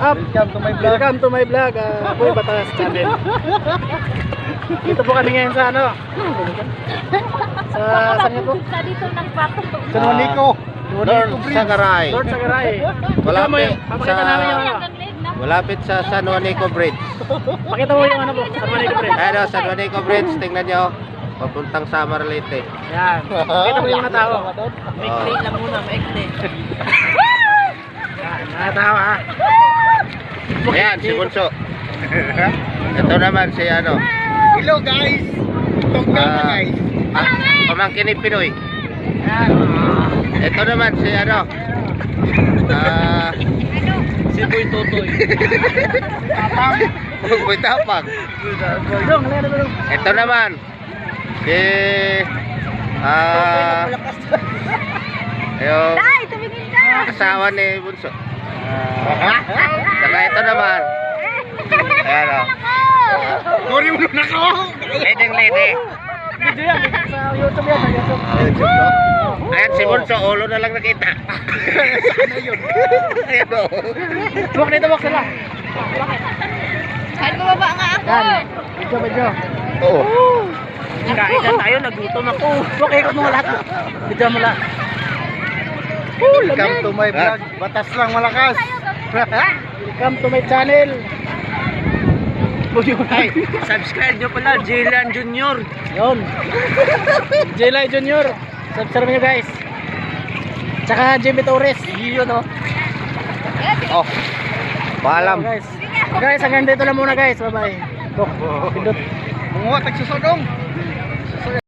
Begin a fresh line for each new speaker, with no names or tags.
up?
Welcome to my vlog.
Welcome to my vlog, Boy Batas Channel. Dito po kami ngayon sa ano? Sa saan nga po?
Sa dito nagpato.
Sa Juanico.
Lord Sagaray.
Lord Sagaray.
Malapit
Papakita
sa-
namin yung ano.
Malapit sa San Juanico Bridge.
Pakita mo yung ano po, San Juanico Bridge.
Ano, San Juanico Bridge, tingnan nyo. Papuntang Samar Leyte.
Yan. Pakita mo yung mga tao.
Oh.
lang muna, maikli.
Yan, mga tao ha.
Ayan, si Bunso. Ito naman si ano.
Hello guys. Tongga na guys.
Pamangkin ni Pinoy. Ito naman si ano.
Si Boy Totoy.
Boy Tapang.
Dong, lera dong.
Ito naman si yung
Ay, tumingin ka!
asawa ni Bunso. Saka ito naman. Ayan o.
Sorry mo na ako.
Leading lady.
Video yan, sa YouTube yan, sa YouTube.
Ayan si Bunso, ulo na lang nakita.
Sana yun.
Ayan o.
Buwak na ito, buwak sila.
Kahit bumaba nga ako.
Yan, video, video.
Oo.
Kain na tayo, nagutom ako. Buwak, ikot mo lahat. Video mo lahat.
Welcome to my vlog. Batas lang malakas.
Welcome to my channel.
Ay, subscribe nyo pala, Jaylan Junior.
Yun. Jelay Junior. Subscribe nyo guys. Tsaka Jimmy Torres. Yun o.
Oh. Paalam.
Guys. Guys, hanggang dito lang muna guys. Bye bye. Pindot.
Bungo, tagsusodong.